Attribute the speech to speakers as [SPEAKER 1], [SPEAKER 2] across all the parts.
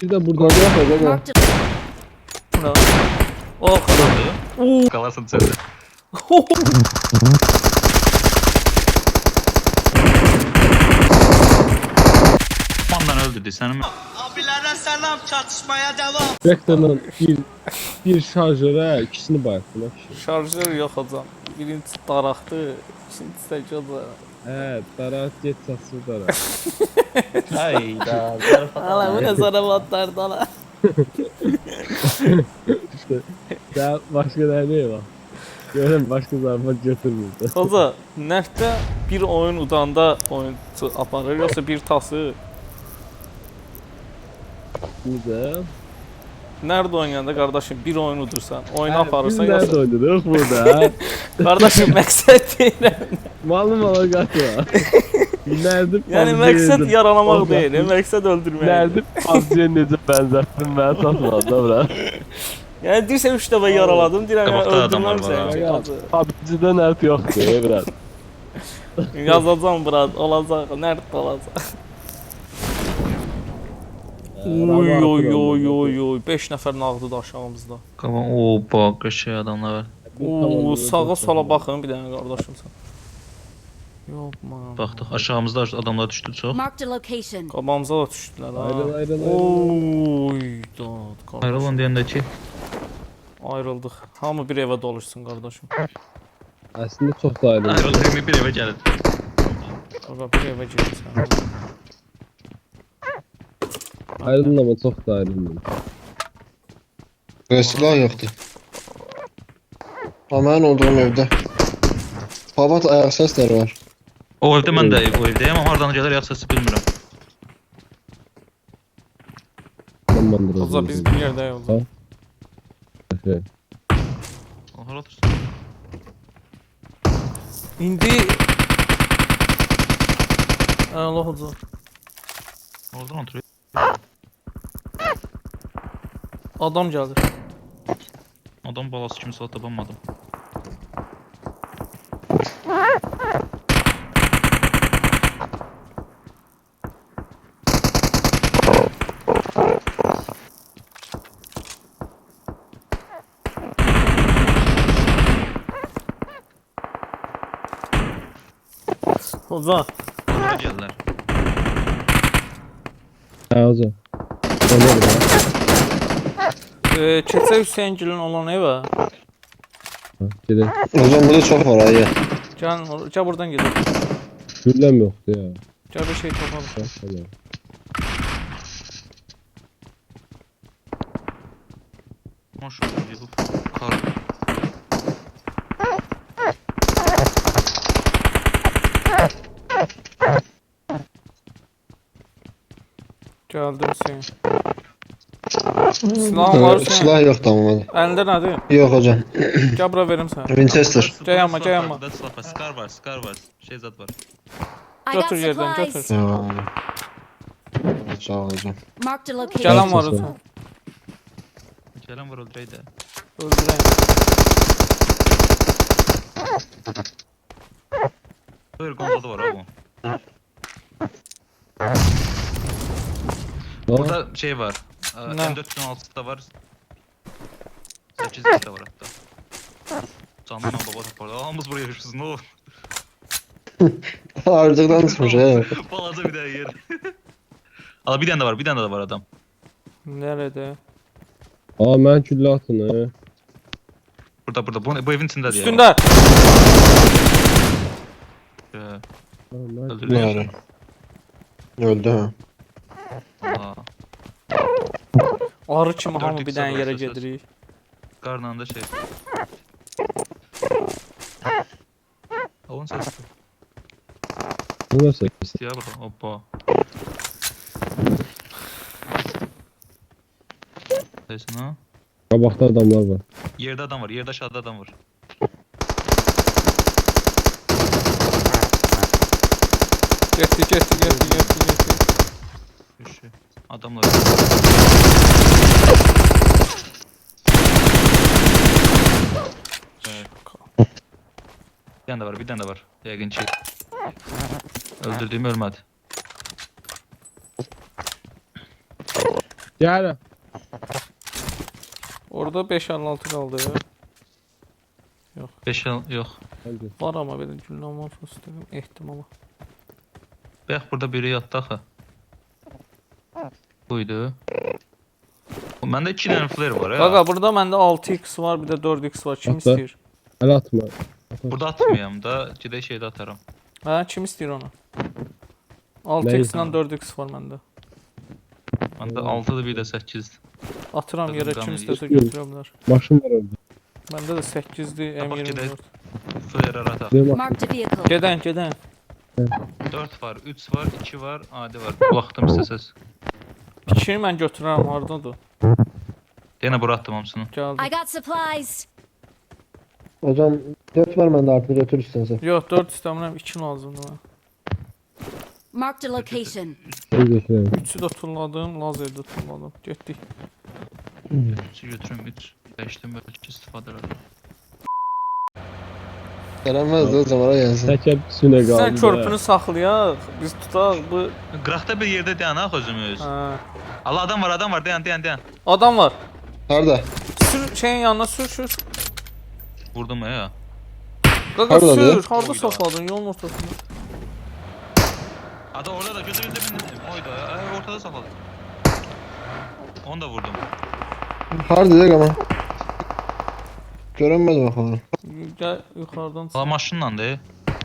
[SPEAKER 1] Bir de buradan da
[SPEAKER 2] Marked a
[SPEAKER 3] Buna. Oh kadar.
[SPEAKER 4] Kalarsın sen de. Ondan öldürdü seni mi?
[SPEAKER 5] Abilere selam, çatışmaya devam.
[SPEAKER 1] Vektor'dan bir şarjöre ikisini bayattılar ki.
[SPEAKER 3] Şarjör yok hocam. Birincisi daraqdı, ikincisi də gözə.
[SPEAKER 1] Darat geç çatsı darat.
[SPEAKER 4] Hayda.
[SPEAKER 3] Hala bu ne zarafatlardı hala.
[SPEAKER 1] Daha başka nerede var? Görün başka zarfat götürmüyordu.
[SPEAKER 3] Hoca, nəftə bir oyun udanda oyuncu aparır, yoxsa bir tası?
[SPEAKER 1] Güzel.
[SPEAKER 3] Nerede oynayanda kardeşim bir oyun udursan, oyunu aparırsan
[SPEAKER 1] Biz nerede
[SPEAKER 3] yoxsa...
[SPEAKER 1] oynadık burada?
[SPEAKER 3] Kardeşim məqsəd deyiləm.
[SPEAKER 1] Malum ala kaçma. Nerede
[SPEAKER 3] Yəni məqsəd yaralamaq deyil, məqsəd öldürmək.
[SPEAKER 1] Nerede PUBG'ye necə bənzətdin mən satmadım da bura.
[SPEAKER 3] Yəni deyirsən 3 dəfə yaraladım, deyirəm yəni
[SPEAKER 4] Qabaqda adamlar var
[SPEAKER 3] öldürməmsən
[SPEAKER 4] ha.
[SPEAKER 3] ki.
[SPEAKER 1] PUBG'də nert yoxdur biraz.
[SPEAKER 3] Yazacağım bura, olacaq, nerede olacaq. Oy oy oy oy oy, 5 nəfər nağdı da aşağımızda.
[SPEAKER 4] Kavan o bak şey adamlar var.
[SPEAKER 3] Oo, sağa sola baxın bir dənə qardaşım sən. Yox man.
[SPEAKER 4] Baxdıq aşağımızda adamlar düşdü çox.
[SPEAKER 2] Marked a location.
[SPEAKER 3] Qabağımıza da düşdülər ha.
[SPEAKER 1] Ayrıl.
[SPEAKER 3] Oy dad qardaşım.
[SPEAKER 4] Ayrılın deyəndə ki
[SPEAKER 3] Ayrıldıq. Hamı bir evə doluşsun qardaşım.
[SPEAKER 1] Aslında çok da ayrıldı.
[SPEAKER 4] ayrılır bir evə gəlir.
[SPEAKER 3] Qaqa bir evə girsən.
[SPEAKER 1] Ayrıldın ama çok da ayrıldın.
[SPEAKER 6] Silah yoktu. Ama ben olduğum evde. Babat ayak sesleri var.
[SPEAKER 4] O evdə mən də o evdəyəm amma hardan gəlir ayaq səsi bilmirəm.
[SPEAKER 1] Tamamdır.
[SPEAKER 3] Oza biz bir yerdəyik oza.
[SPEAKER 1] Şey.
[SPEAKER 4] O hara otursun?
[SPEAKER 3] İndi Allah oza.
[SPEAKER 4] Oradan oturuyor.
[SPEAKER 3] Adam gəldi.
[SPEAKER 4] Adam balası kimi saat tapanmadım.
[SPEAKER 3] Oza.
[SPEAKER 4] Oraya gəlirlər.
[SPEAKER 1] Ha o zaman. Olur ya.
[SPEAKER 3] Keçə Hüseygilin olan evə.
[SPEAKER 1] Gidelim.
[SPEAKER 6] O zaman burada çok var ayı.
[SPEAKER 3] Gəl buradan gedək.
[SPEAKER 1] Güllem yoktu ya.
[SPEAKER 3] Gəl bir şey tapalım.
[SPEAKER 1] Tamam.
[SPEAKER 4] Maşallah bu kar.
[SPEAKER 3] Gəldim Hüseyin. Silahın var Hüseyin.
[SPEAKER 6] Silah yoktu ama bende.
[SPEAKER 3] Əlində nədir?
[SPEAKER 6] Yok hocam.
[SPEAKER 3] Gəl bura verim sənə.
[SPEAKER 6] Winchester.
[SPEAKER 3] Gel ama, gel ama.
[SPEAKER 4] Burada silah var, Scar var. Şey zat var.
[SPEAKER 2] I got
[SPEAKER 3] Götür yerdən,
[SPEAKER 2] supplies.
[SPEAKER 3] götür.
[SPEAKER 6] Sağ ol hocam.
[SPEAKER 2] Marked a location.
[SPEAKER 3] Gələn var Hüseyin.
[SPEAKER 4] Gələn var öldürək də.
[SPEAKER 3] Öldürəyim.
[SPEAKER 4] Buyur Gonzalo var ha bu. Burada şey var.
[SPEAKER 3] Ne?
[SPEAKER 4] M416'da var. 8 de var hatta. Canından baba tapardı. Ağamız buraya yaşıyoruz ne olur.
[SPEAKER 6] Ağırlıktan çıkmış he.
[SPEAKER 4] Balaca bir daha yer. Al bir tane de var adam.
[SPEAKER 3] Nerede?
[SPEAKER 1] Aa ben küllə atın he.
[SPEAKER 4] Burada bu evin içinde diye.
[SPEAKER 3] Üstündə.
[SPEAKER 4] Öldürüyor.
[SPEAKER 6] Ne Öldü ha.
[SPEAKER 4] Aa,
[SPEAKER 3] Arı kimi
[SPEAKER 4] Dörd
[SPEAKER 3] hamı bir
[SPEAKER 4] ikisi
[SPEAKER 3] dənə
[SPEAKER 4] var,
[SPEAKER 3] yerə
[SPEAKER 4] söz.
[SPEAKER 3] gedirik.
[SPEAKER 4] karnında şey. Avun sesi.
[SPEAKER 1] Bu nasıl?
[SPEAKER 4] Ya burada. Hoppa. Neyse ne?
[SPEAKER 1] Kabakta adamlar var.
[SPEAKER 4] Yerde adam var. Yerde aşağıda adam var.
[SPEAKER 3] Getdi.
[SPEAKER 4] Düşü. Adamlar. Evet. Bir tane de var. Yaygın çiğ. Öldürdüğüm ölmedi.
[SPEAKER 1] Gel.
[SPEAKER 3] Orada 5.56 qaldı.
[SPEAKER 4] 5 yox.
[SPEAKER 1] Hadi.
[SPEAKER 3] Var ama belə güllə var fıstığım ehtimala.
[SPEAKER 4] Bax burada biri yatdı axı. Buydu. Məndə 2 dənə flare var ya.
[SPEAKER 3] Qaqa burada məndə 6x var, bir də 4x var. Kim
[SPEAKER 1] Atla.
[SPEAKER 3] istəyir?
[SPEAKER 1] El atma.
[SPEAKER 4] Burada atmayayım da, gedək şeydə atarım.
[SPEAKER 3] Hə, kim istəyir onu? 6x ilə 4x var məndə.
[SPEAKER 4] Məndə 6-dır, bir də 8.
[SPEAKER 3] Atıram yerə, kim
[SPEAKER 4] Qan
[SPEAKER 3] istəsə
[SPEAKER 1] eləyir.
[SPEAKER 3] götürə bilər.
[SPEAKER 1] Maşın var orada.
[SPEAKER 3] Məndə də 8-dir,
[SPEAKER 4] Bak,
[SPEAKER 3] M24.
[SPEAKER 4] Flare ataq.
[SPEAKER 1] Benim maşın.
[SPEAKER 2] Marked a vehicle.
[SPEAKER 3] Gedən, gedən.
[SPEAKER 4] 4 var, 3 var, 2 var, adi var. Baxdım istəsəz.
[SPEAKER 3] İkini mən götürərəm, hardadır?
[SPEAKER 4] Yenə bura atdım hamısını.
[SPEAKER 2] I
[SPEAKER 3] Gəldi.
[SPEAKER 2] got supplies.
[SPEAKER 6] Hocam 4 var bende artık götür istersen.
[SPEAKER 3] Yox, 4 istəmirəm, 2 lazımdır mənə.
[SPEAKER 2] Marked a location.
[SPEAKER 1] Ben götüreyim.
[SPEAKER 3] 3-ü də tulladım, lazerdə tulladım. Getdik.
[SPEAKER 4] 3'ü götürüm, 3. Dəyişdim, bəlkə istifadə edirəm.
[SPEAKER 6] Gelemez de o zaman gelsin.
[SPEAKER 1] Teker üstüne kaldı.
[SPEAKER 3] Sən körpünü saxlayaq, biz tutaq bu...
[SPEAKER 4] Qıraqda bir yerdə dayanaq özümüz.
[SPEAKER 3] Hə.
[SPEAKER 4] Allah adam var, dayan.
[SPEAKER 3] Adam var.
[SPEAKER 6] Nerede?
[SPEAKER 3] Sür, şeyin yanına sür.
[SPEAKER 4] Vurdum ya.
[SPEAKER 3] Qaqa
[SPEAKER 6] Hardadır?
[SPEAKER 3] sür, harda
[SPEAKER 4] Oyda.
[SPEAKER 3] saxladın yolun ortasında?
[SPEAKER 4] Ada orada da gözümüzde bindim. Oyda ya, ortada sakladım. Onu da vurdum.
[SPEAKER 6] Harbi dedik ama. Görünmez bakalım.
[SPEAKER 3] Gəl yuxarıdan
[SPEAKER 4] Allah maşınla de.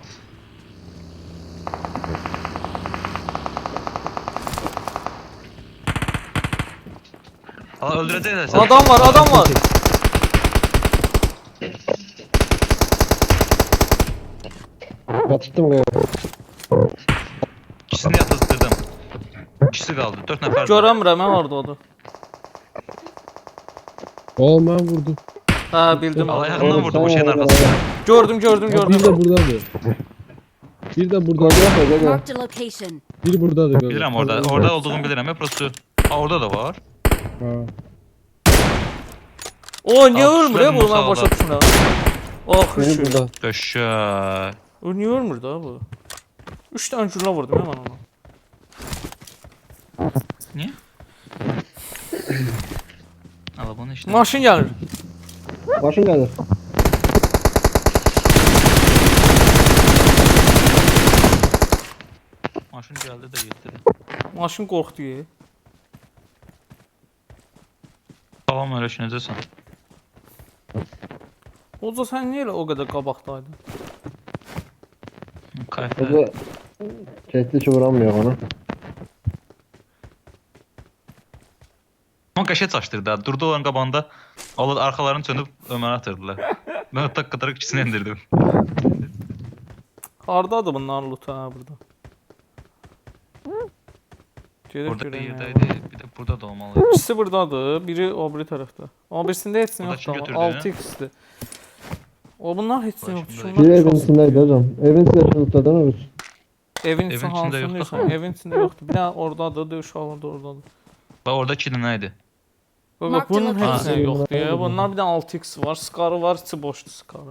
[SPEAKER 4] Allah öldürecekler seni.
[SPEAKER 3] Adam var.
[SPEAKER 6] Batırdım galiba.
[SPEAKER 4] İkisini yatırttırdım. İkisi kaldı. 4 nefer.
[SPEAKER 3] Görəmirəm, mən harda odur.
[SPEAKER 1] Oğlum ben vurdum.
[SPEAKER 3] Hə, bildim.
[SPEAKER 4] Allah yakından vurdu bu şeyin arkasında.
[SPEAKER 3] Gördüm.
[SPEAKER 1] Bir de buradadır. Bir de burada.
[SPEAKER 2] Marked a location.
[SPEAKER 1] Bir buradadır.
[SPEAKER 4] Bilirəm orada. Orada olduğumu bilirəm. Hep burası. Aa, orada da var.
[SPEAKER 1] Ha.
[SPEAKER 3] O, niyə
[SPEAKER 4] Al,
[SPEAKER 3] ölmür ya bu,
[SPEAKER 4] tuşlarını
[SPEAKER 3] mən başa
[SPEAKER 4] sağla.
[SPEAKER 3] düşmürəm. Axı
[SPEAKER 6] Beni
[SPEAKER 3] şu.
[SPEAKER 6] burada.
[SPEAKER 4] Köşe.
[SPEAKER 3] O niyə ölmür da bu? 3 dənə güllə vurdum ya mən ona.
[SPEAKER 4] Niye? Allah bunu işte.
[SPEAKER 3] Maşın gəlir.
[SPEAKER 6] Başın geldi.
[SPEAKER 4] Maşın geldi de gitti.
[SPEAKER 3] Maşın qorxdu ya.
[SPEAKER 4] Tamam öyle düşüneceksin.
[SPEAKER 3] Oca sən niyə elə o qədər qabaqdaydın?
[SPEAKER 4] Kayıtlı.
[SPEAKER 6] Burada kesti hiç vuramıyor onu.
[SPEAKER 4] Ama qəşət açdırdı. ha. Durdu olan qabanda onlar arxalarını çönüb Ömərə atırdılar. Mən tak qataraq ikisini endirdim.
[SPEAKER 3] Hardadır bunların lootu ha burada? Gedək
[SPEAKER 4] Orada bir
[SPEAKER 3] görək nə var.
[SPEAKER 4] yerdəydi. Bir də burada da olmalı.
[SPEAKER 3] İkisi buradadır, biri o biri tərəfdə. Amma birisində heç nə
[SPEAKER 4] Burada kim
[SPEAKER 3] yoxdur.
[SPEAKER 4] götürdü?
[SPEAKER 3] 6x-dir. O bunlar heç nə yoxdur.
[SPEAKER 4] Burada
[SPEAKER 6] Bir
[SPEAKER 3] Şunlar
[SPEAKER 6] evin
[SPEAKER 3] çox.
[SPEAKER 6] içindeydi hocam. Evin içinde tutladın mı?
[SPEAKER 3] Evin
[SPEAKER 4] Evin
[SPEAKER 3] içində
[SPEAKER 4] içində
[SPEAKER 3] hansını
[SPEAKER 4] yoxdur
[SPEAKER 3] deyirsən?
[SPEAKER 4] axı.
[SPEAKER 3] Evin içində yoxdur. Bir dənə oradadır, uşaqlar da oradadır.
[SPEAKER 4] Bax orada 2 dənə idi.
[SPEAKER 3] Bak
[SPEAKER 2] Marked
[SPEAKER 3] bunun
[SPEAKER 2] location.
[SPEAKER 3] hepsine
[SPEAKER 6] Ha.
[SPEAKER 3] yoktu ya. Bunlar bir de 6x var. Scar'ı var. İçi boştu Scar'ı.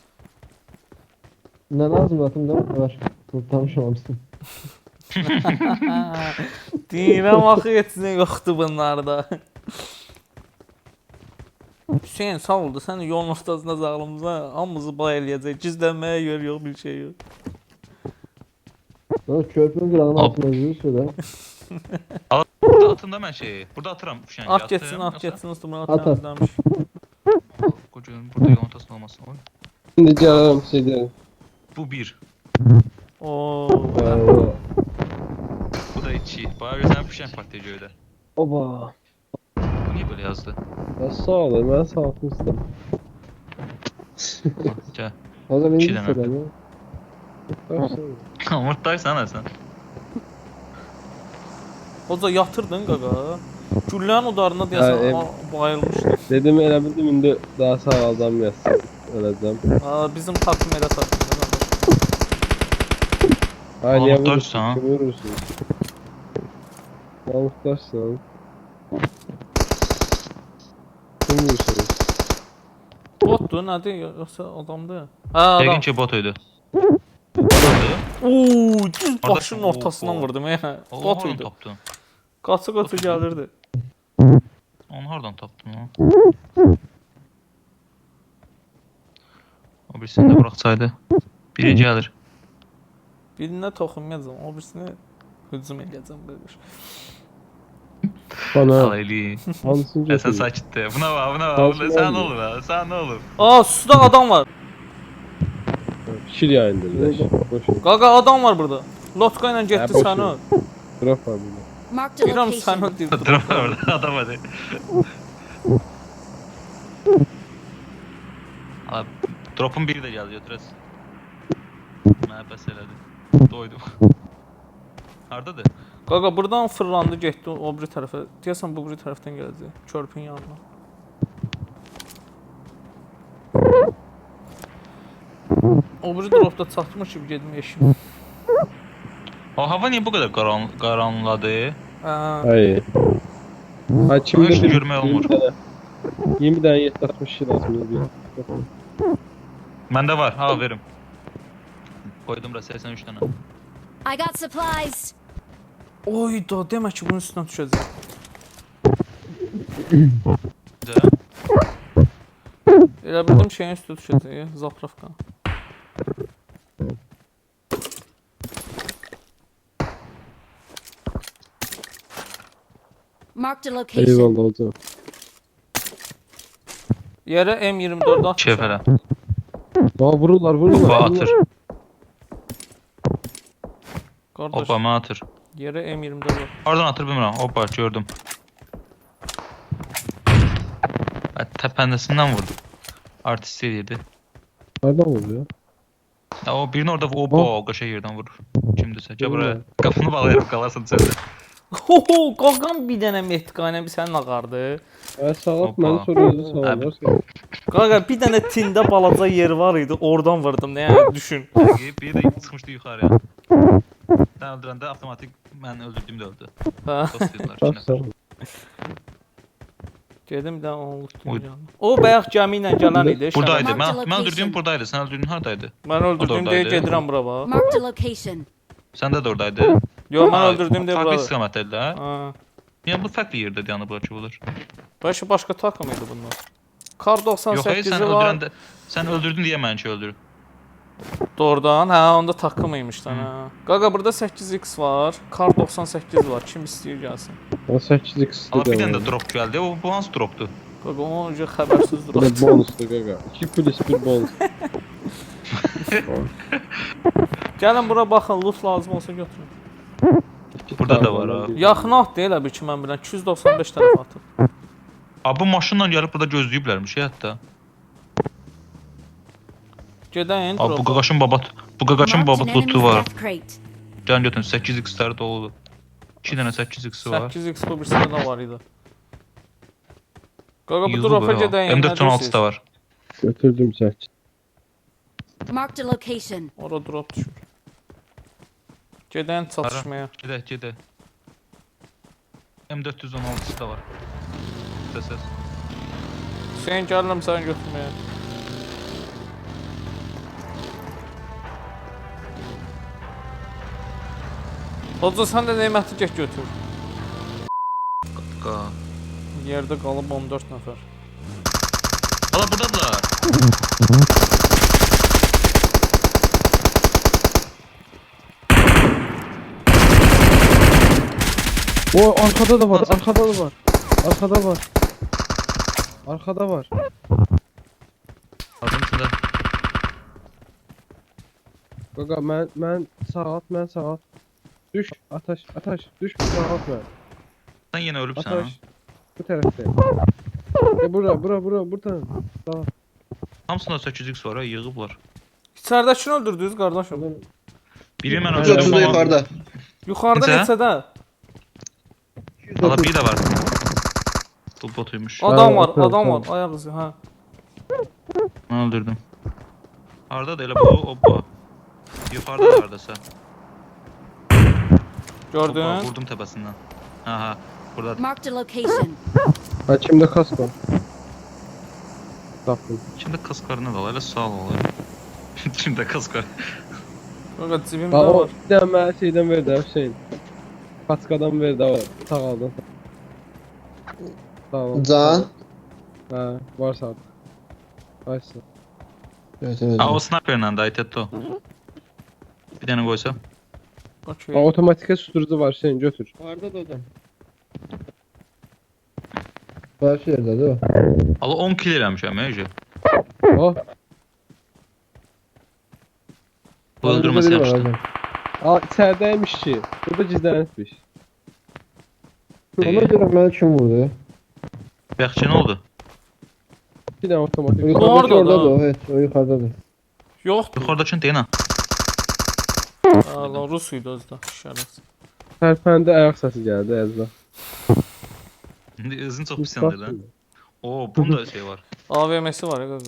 [SPEAKER 6] Ne lazım zaten değil mi? Var. Tutlamış olmuşsun.
[SPEAKER 3] Deyirəm axı hepsine yoktu bunlarda. Hüseyin sağ oldu. Sen de yolun ortasında zağlımıza hamımızı bay eləyəcək. Gizlənməyə yer yok, bir şey yok.
[SPEAKER 6] Böyle köprünün kırağının
[SPEAKER 4] Al.
[SPEAKER 6] altında yürüyorsa da.
[SPEAKER 4] Burada atın da mən şeyi. Burada atıram fişəngi.
[SPEAKER 3] At geçsin, at geçsin. Üstümden at
[SPEAKER 6] At, at.
[SPEAKER 3] temizlenmiş.
[SPEAKER 4] Qocuğun burada yolun ortasında olmasın. Oy.
[SPEAKER 1] Şimdi canım şey diyelim.
[SPEAKER 4] Bu 1.
[SPEAKER 3] Oo.
[SPEAKER 4] Bu da 2. Bayağı gözlem fişən partiya göydə.
[SPEAKER 1] Oba.
[SPEAKER 4] Bu niye böyle yazdı?
[SPEAKER 1] Ya sağ olun ben sağ olsun.
[SPEAKER 4] Gel.
[SPEAKER 6] O zaman
[SPEAKER 4] İki
[SPEAKER 6] iyi
[SPEAKER 4] tane
[SPEAKER 6] hissederim.
[SPEAKER 4] Umurtdaysan ha sen.
[SPEAKER 3] Oca yatırdın qaqa. Güllənin udarına
[SPEAKER 1] Ha,
[SPEAKER 3] deyəsən bayılmışdı.
[SPEAKER 1] Dedim elə bildim indi daha sağ adam yazsın. Öleceğim.
[SPEAKER 3] Aa, bizim takım elə takımda qardaş.
[SPEAKER 1] Ay niye
[SPEAKER 4] Mahmutdaşsan ha?
[SPEAKER 1] vurursun? Kim vurursun? Mahmutdaşsan. Kim vurursun?
[SPEAKER 3] Botdur, nədir? Yoxsa adamdır? Hə, adam.
[SPEAKER 4] Yəqin ki bot idi. Botdu.
[SPEAKER 3] Oo, düz
[SPEAKER 4] Orada-
[SPEAKER 3] başının ortasından
[SPEAKER 4] Oo.
[SPEAKER 3] vurdum ya.
[SPEAKER 4] O
[SPEAKER 3] Bot
[SPEAKER 4] onu
[SPEAKER 3] idi.
[SPEAKER 4] tapdı.
[SPEAKER 3] Qaça gəlirdi.
[SPEAKER 4] Onu hardan tapdın lan? O birisini də buraxsaydı. Biri gəlir.
[SPEAKER 3] Birinə toxunmayacam, o birisini hücum edəcəm belə.
[SPEAKER 1] Bana
[SPEAKER 4] Alaylı.
[SPEAKER 1] hansını
[SPEAKER 4] Sən
[SPEAKER 1] götürür?
[SPEAKER 4] sakitdə. Buna bax, buna bax.
[SPEAKER 1] Kalsın
[SPEAKER 4] Sən
[SPEAKER 1] olmuyor.
[SPEAKER 4] olur ha. Sən nə olur?
[SPEAKER 3] Aa, suda adam var.
[SPEAKER 1] Şir yayındır. Boş.
[SPEAKER 3] Qaqa adam var burada. Lotka ilə getdi
[SPEAKER 1] boş
[SPEAKER 3] səni.
[SPEAKER 1] ver. Drop var burada.
[SPEAKER 2] Marked a
[SPEAKER 3] Deyirəm
[SPEAKER 2] location.
[SPEAKER 3] səni deyir.
[SPEAKER 4] Dur orada adam hadi. Abi drop'un biri də gəldi götürəs. Mənə bəs elədi. Doydum. Hardadır?
[SPEAKER 3] Qaqa buradan fırlandı getdi o biri tərəfə. Deyəsən bu biri tərəfdən gələcək. Körpün yanına. O biri dropda çatmış kimi gedim eşim.
[SPEAKER 4] O hava niyə bu qədər qaranladı?
[SPEAKER 3] Hə.
[SPEAKER 1] Hayır. Ha kimde
[SPEAKER 4] Hiç
[SPEAKER 1] bir
[SPEAKER 4] görmək olmur.
[SPEAKER 1] 20 tane 760 şey lazım bir.
[SPEAKER 4] Məndə var. Ha verim. Koydum da 83 dənə.
[SPEAKER 2] I got supplies.
[SPEAKER 3] Oy da demə ki bunun üstünə düşəcək.
[SPEAKER 4] Güzel.
[SPEAKER 3] Elə bildim şeyin üstü düşəcək. Zapravka.
[SPEAKER 2] Marked a location.
[SPEAKER 1] Eyvallah hocam.
[SPEAKER 3] Yerə M24 at.
[SPEAKER 4] Çevələ.
[SPEAKER 1] Aa vururlar.
[SPEAKER 4] Hoppa atır.
[SPEAKER 3] Qardaş,
[SPEAKER 4] Hoppa mən atır.
[SPEAKER 3] yerə M24 at.
[SPEAKER 4] Hardan atır bilmirəm. Hoppa gördüm. Təpəndəsindən vurdu. Artist eləyirdi.
[SPEAKER 1] Nereden vuruyor?
[SPEAKER 4] Ya o birini orada o qaşa yerdən vurur. Kimdirsə. Gəl buraya. Qapını bağlayarım qalarsan içəridə.
[SPEAKER 3] Hoho, qaqam bir dənə Mehtiqayla bir sənin ağardı.
[SPEAKER 1] Sağlat
[SPEAKER 4] Hoppa.
[SPEAKER 1] beni sonra özü sağlarsan.
[SPEAKER 3] Qaqa bir dənə tində balaca yer var idi, oradan vurdum. Nə yəni düşün.
[SPEAKER 4] Bir də çıxmışdı yuxarıya. Sən öldürəndə avtomatik mən öldürdüyüm də öldü.
[SPEAKER 3] Hə.
[SPEAKER 4] Dost dedilər.
[SPEAKER 1] Bak sen.
[SPEAKER 3] Gedim də onu
[SPEAKER 4] Oy.
[SPEAKER 3] tutacağam. O bayaq gəmi ilə gələn idi.
[SPEAKER 4] Buradaydı.
[SPEAKER 2] Mark the
[SPEAKER 4] Mən
[SPEAKER 2] location.
[SPEAKER 4] öldürdüyüm buradaydı. Sən öldürdüyün hardaydı?
[SPEAKER 3] Mən öldürdüm deyə
[SPEAKER 4] oradaydı.
[SPEAKER 3] gedirəm bura bax.
[SPEAKER 2] Marked a location.
[SPEAKER 4] Sən də oradaydın.
[SPEAKER 3] Yo, mən öldürdüm deyə
[SPEAKER 4] Farklı
[SPEAKER 3] bura.
[SPEAKER 4] istiqamətdədirlər.
[SPEAKER 3] Ha.
[SPEAKER 4] Yəni bu fərqli yerdə dayanıb bura ki olur.
[SPEAKER 3] Bəlkə başqa takım idi bunlar. Kar
[SPEAKER 4] Yox, hayır,
[SPEAKER 3] 98-i
[SPEAKER 4] sən
[SPEAKER 3] var.
[SPEAKER 4] öldürəndə sən öldürdün deyə mənimki öldürür.
[SPEAKER 3] Doğrudan, hə, onda takım imiş lan, hə. Qaqa burada 8x var, Kar 98 var. Kim istəyir gəlsin.
[SPEAKER 1] O 8x
[SPEAKER 4] Ala bir
[SPEAKER 1] dedi.
[SPEAKER 4] dənə də drop gəldi. O bu hansı dropdur?
[SPEAKER 3] Qaqa onun ucu xəbərsiz
[SPEAKER 1] Bu
[SPEAKER 3] durur.
[SPEAKER 1] da bonuslu gaga. 2 plus 1 bonus.
[SPEAKER 3] Gəlin bura baxın, loot lazım olsa götürün.
[SPEAKER 4] Burada da var, ha.
[SPEAKER 3] Yaxın at deyil bir ki mən bilən 295 tərəf atıb.
[SPEAKER 4] Abi bu maşınla gəlib burada gözləyiblərmiş ya hətta.
[SPEAKER 3] Gedəyin.
[SPEAKER 4] Abi bu qaqaşın babat, bu qaqaşın
[SPEAKER 2] Marked an
[SPEAKER 4] babat
[SPEAKER 2] enemy's
[SPEAKER 4] lootu var.
[SPEAKER 2] death crate.
[SPEAKER 4] Can götürün 8x-ləri doludur. 2 dənə 8x var.
[SPEAKER 3] 8x bu birisində də var idi. Qaqa bu
[SPEAKER 4] Yığılıb
[SPEAKER 3] dropa
[SPEAKER 4] ha.
[SPEAKER 3] gedəyin.
[SPEAKER 4] M416 da var.
[SPEAKER 1] Götürdüm 8.
[SPEAKER 2] Marked a location.
[SPEAKER 3] Ora drop düşür. Gedəyin çatışmaya.
[SPEAKER 4] Gedək, gedək. M416 da var. Səs.
[SPEAKER 3] Hüseyin gəlirəm səni götürməyə. Hoca sən də neməti get götür.
[SPEAKER 4] Qa.
[SPEAKER 3] Yerdə qalıb 14 nəfər.
[SPEAKER 4] Ala buradadılar.
[SPEAKER 1] O arkada da var. Arkada da var. Arkada var. Arkada var.
[SPEAKER 4] Adın içində.
[SPEAKER 1] Gaga mən sağ at. Düş ataş düş sağ at mən.
[SPEAKER 4] Sən yenə ölübsən ha.
[SPEAKER 1] Ataş. Bu tərəfdə. Buradan. Sağ.
[SPEAKER 4] Hamısında 8x var ha, yığıblar.
[SPEAKER 3] İçəridəkini öldürdünüz qardaşım.
[SPEAKER 4] Biri mən
[SPEAKER 6] Götürdü
[SPEAKER 4] öldürdüm.
[SPEAKER 6] yukarıda.
[SPEAKER 3] Yuxarıda
[SPEAKER 4] Necə?
[SPEAKER 3] neçədə?
[SPEAKER 4] Ala biri də var. Bu botuymuş.
[SPEAKER 3] Adam var,
[SPEAKER 1] tamam,
[SPEAKER 3] adam var.
[SPEAKER 1] tamam.
[SPEAKER 3] Ayaq izi, hə.
[SPEAKER 4] Mən öldürdüm. Harda da elə bu, hoppa. Yuxarıda da hardasa. Hoppa,
[SPEAKER 3] Gördün?
[SPEAKER 4] vurdum təpəsindən. Ha, burada.
[SPEAKER 2] Marked a location.
[SPEAKER 1] Ha kimdə kask var? Tapdım.
[SPEAKER 4] Kimdə kaskarını da elə sağ ol. Kimdə kaskar?
[SPEAKER 3] Qaqa cibimdə
[SPEAKER 1] Ha o
[SPEAKER 3] var.
[SPEAKER 1] bir dənə mənə şeydən ver də Hüseyin. Kaskadan ver də sağ aldın. Sağ ol.
[SPEAKER 6] Can.
[SPEAKER 1] Ha, varsa artık. Açsın.
[SPEAKER 6] Evet evet.
[SPEAKER 4] Ha o sniperlə də Tetto. Bir dənə qoysam.
[SPEAKER 3] Okey.
[SPEAKER 1] Otomatik susturucu var, sen götür.
[SPEAKER 6] Harda da adam. Baş yerdədir o.
[SPEAKER 4] Ala 10 kill eləmişəm Ece.
[SPEAKER 1] Oh.
[SPEAKER 4] Bu öldürməsi yaxşıdır.
[SPEAKER 1] Aa, içerideymiş ki. Burada gizlenmiş.
[SPEAKER 6] Ona görə mənə kim vurdu?
[SPEAKER 4] Yaxşı nə oldu?
[SPEAKER 1] Bir tane otomatik.
[SPEAKER 6] O yuxarıdakı
[SPEAKER 3] Orada da.
[SPEAKER 6] oradadır o, evet, o yuxarıdadır.
[SPEAKER 3] Yoxdur.
[SPEAKER 4] Yuxarıdakını deyən ha.
[SPEAKER 3] Allah Rus idi özdə. Şərəf.
[SPEAKER 1] Tərpəndə ayak sesi geldi Ezra.
[SPEAKER 4] İndi özün çox pis yandır lan. Oo, bunda şey var.
[SPEAKER 3] AVM'si var ya qaqa.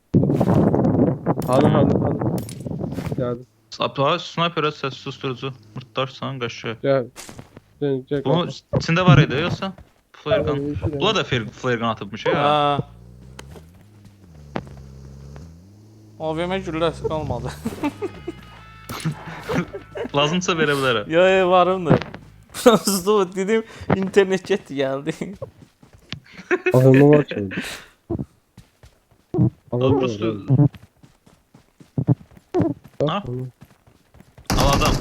[SPEAKER 1] Hanı. Geldi.
[SPEAKER 4] Apla sniperə səs susturucu. Mırtdarsan qaşı.
[SPEAKER 1] Gel. Gel.
[SPEAKER 4] Bunun içində var idi yoxsa? Flare gun. Bula da flare gun atıbmış ya.
[SPEAKER 3] Hə. AVM gülləsi qalmadı.
[SPEAKER 4] Lazımsa verə bilərəm.
[SPEAKER 3] Ya varımdır. Prosto dedim internet getdi gəldi.
[SPEAKER 1] Ağıllı var ki.
[SPEAKER 4] Al prosto. Ha? Al adam.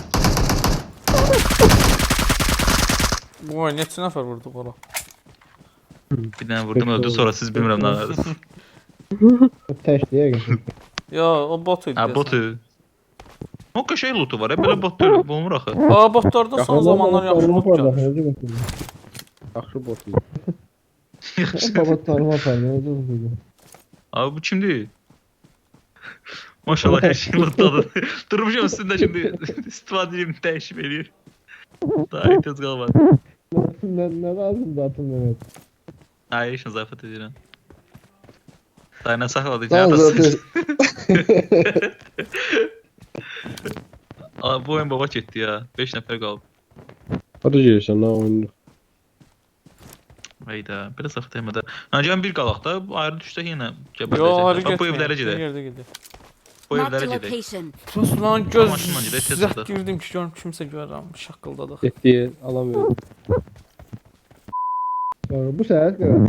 [SPEAKER 3] Bu oyun neçə nəfər vurdu qala?
[SPEAKER 4] Bir dənə vurdum öldü sonra siz bilmirəm nə var.
[SPEAKER 6] Təşliyə geçin.
[SPEAKER 3] Ya o bot idi.
[SPEAKER 4] Ha botu. O qəşəng lootu var. Belə bot deyil, bulmur axı.
[SPEAKER 3] Aa botlarda son zamanlar yaxşı loot gəlir.
[SPEAKER 1] Yaxşı botu.
[SPEAKER 6] Baba tanıma paylaşdı.
[SPEAKER 4] Abi bu kimdir? Maşallah her şey lootladı. Durmuşam üstünde şimdi istifadə edeyim, dəyişib eləyir. Daha ihtiyac qalmadı.
[SPEAKER 6] Ne lazım zaten Mehmet?
[SPEAKER 4] Hayır, işin zafiyet edirəm. Dayına saxladı.
[SPEAKER 6] Tamam zaten.
[SPEAKER 4] Aa, bu oyun baba getdi ya. 5 nəfər qalıb.
[SPEAKER 1] Hadi gelirsən lan oyunu.
[SPEAKER 4] Hayda, biraz zafiyet etmədə. Gəlin bir qalaq da, ayrı düşsək yenə
[SPEAKER 3] Yo
[SPEAKER 4] gəbərəcək.
[SPEAKER 3] harı
[SPEAKER 4] Bax, bu
[SPEAKER 3] getmir.
[SPEAKER 4] evlərə gedək.
[SPEAKER 3] Yerdə gedək.
[SPEAKER 4] Bu
[SPEAKER 2] Marked a
[SPEAKER 4] evlərə gedək.
[SPEAKER 2] location.
[SPEAKER 3] Prosto lan göz
[SPEAKER 4] Maşınla gedək, tez
[SPEAKER 3] zət
[SPEAKER 4] çataq.
[SPEAKER 3] girdim ki görüm kimsə görürəm. Şaqqıldadıq.
[SPEAKER 1] Getdiyi alamıyorum.
[SPEAKER 6] Bu sefer göre.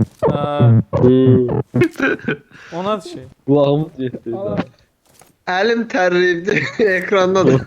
[SPEAKER 3] O nədir şey?
[SPEAKER 1] Kulağımız yetti.
[SPEAKER 6] Elim terliydi ekranda da.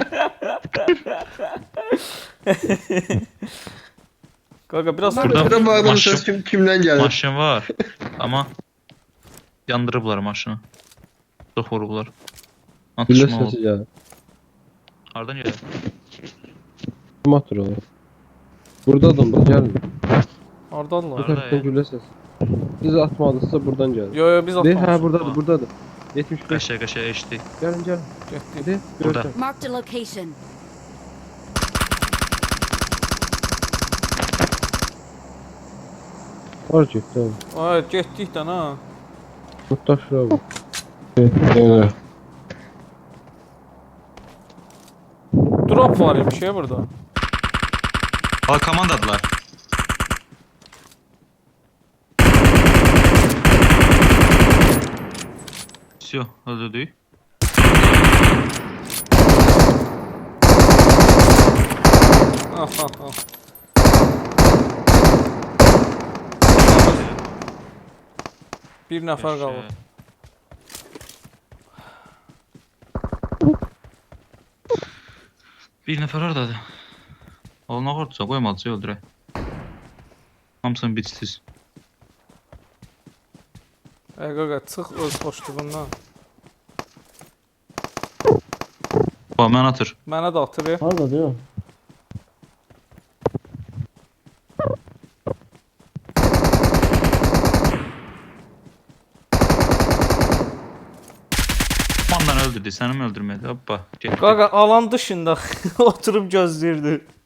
[SPEAKER 3] Qaqa biraz
[SPEAKER 4] Burada-
[SPEAKER 6] Şurada baktım
[SPEAKER 4] Maşın-
[SPEAKER 6] ses kimden geldi?
[SPEAKER 4] Maşın var, amma yandırıblar maşını. Çox vurublar.
[SPEAKER 1] Gülle
[SPEAKER 4] Atışma olub.
[SPEAKER 1] sesi geldi.
[SPEAKER 4] Hardan gəlir?
[SPEAKER 1] Kim atır onu? Burada adam da geldi. Bu
[SPEAKER 3] hardadılar?
[SPEAKER 4] Harada
[SPEAKER 1] taraftan
[SPEAKER 4] ya?
[SPEAKER 1] gülle sesi. Biz atmadıysa buradan geldi.
[SPEAKER 3] Yo biz
[SPEAKER 1] Değil
[SPEAKER 3] atmamışıq.
[SPEAKER 1] ha buradadır buradadır. 75.
[SPEAKER 4] Qəşəng eşitdik.
[SPEAKER 1] Gelin gelin.
[SPEAKER 3] Getdik.
[SPEAKER 1] Hadi.
[SPEAKER 4] Burada.
[SPEAKER 1] Görsen.
[SPEAKER 2] Marked a location.
[SPEAKER 1] Var ciddi abi.
[SPEAKER 3] Ay getdik də ha.
[SPEAKER 1] Muhtaç şuraya bak.
[SPEAKER 6] Evet.
[SPEAKER 3] Drop var imiş ya burada.
[SPEAKER 4] Ha, komandadılar. Всё, öldürdük.
[SPEAKER 3] Ah ah ah. Bir nəfər qalır.
[SPEAKER 4] Bir nəfər oradadır. Oluna qorxursa qoymadısa öldürək. Hamısını bitsiz.
[SPEAKER 3] Ey qaqa çıx öz xoşluğundan.
[SPEAKER 4] Bax, mən atır.
[SPEAKER 3] Mənə də atır ya.
[SPEAKER 6] Harada diyor.
[SPEAKER 4] Ondan öldürdü, səni mi öldürmədi? Hoppa, getdi.
[SPEAKER 3] Qaqa alan dışında oturub gözləyirdi.